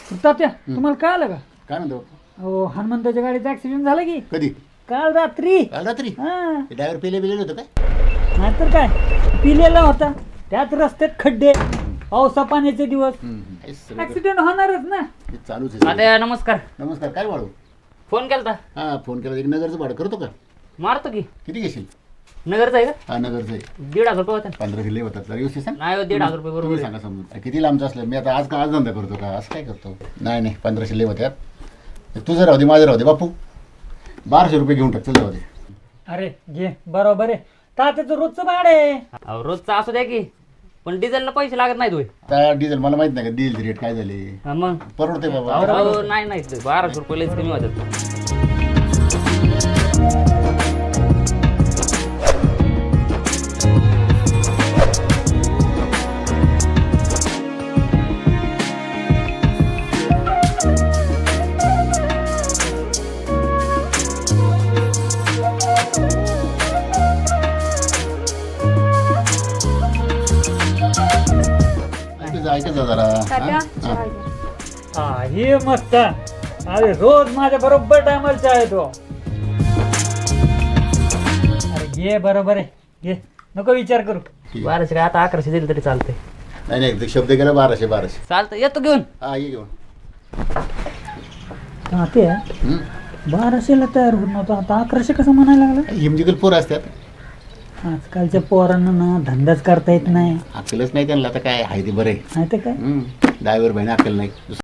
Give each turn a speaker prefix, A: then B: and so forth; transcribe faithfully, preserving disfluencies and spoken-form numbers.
A: तात्या तुम्हाला काय आलं का?
B: काय म्हणतो
A: हो, हनुमंताच्या गाडीचा ऍक्सिडेंट झाला की
B: कधी
A: काल रात्री.
B: काल रात्री
A: हा,
B: ड्रायव्हर पेले बिलेलं होतं काय
A: नाहीतर काय, पिलेला होता. त्यात रस्त्यात खड्डे, पावसा पाण्याचे दिवस,
B: हे सगळं
A: ऍक्सिडेंट होणारच ना.
B: हे चालूच आहे सगळं.
C: आता नमस्कार.
B: नमस्कार काय वाढू
C: फोन केलता.
B: हा फोन केला एक नगरचं भाडं करतो का
C: मारतो की.
B: किती घेशील
C: नगरचा आहे का?
B: हा नगरचं आहे
C: दीड हजार रुपये होता.
B: पंधरा किल्ले होतात जरा व्यवस्थित सांग
C: नाही हो, दीड हजार रुपये
B: तुम्ही
C: बरोबर
B: सांगा समजून किती लांबचं असलं मी आता आज का आज धंदा करतो का असं काय करतो नाही नाही पंधरा शिल्ले होत्यात तुझं राहू दे माझं राहू दे बापू बाराशे रुपये घेऊन टाक चल जाऊ दे
A: अरे घे, बरोबर आहे. तात्याचं रोजचं भाडं आहे.
C: अहो, रोजचा असू द्या की, पण डिझेलला पैसे लागत नाहीत होय.
B: त्या डिझेल मला माहित नाही का डिझेल रेट काय झाले
C: हा मग
B: परवडते बाबा
C: अहो, नाही नाही ते बाराशे रुपये लईच कमी होतात.
B: ऐकायचं ऐकायचं जरा
D: तात्या,
B: हा?
D: चहा
B: हा.
D: घ्या.
A: हा, हे मस्त. अरे रोज माझ्या बरोबर टायमाला आहे तो. अरे घे, बरोबर आहे, घे, नको विचार करू.
B: ठीक आहे.
C: बाराशे काय आता अकराशे दिले तरी चालतंय.
B: नाही नाही ते शब्द गेला बाराशे बाराशे
C: चालतं, येतो घेऊन.
B: हा ये घेऊन
A: तात्या
B: हम्म.
A: बाराशेला तयार होत नव्हतं, आता अकराशे कसं म्हणायला लागला?
B: हिमजिकल पोरं असतात
A: आजकालच्या पोरांना ना धंदाच करता येत नाही.
B: अक्कलच नाही त्यांना आता काय आहे ते बरं आहे
A: माहिती काय?
B: ड्रायव्हर बहिणी अक्कल नाही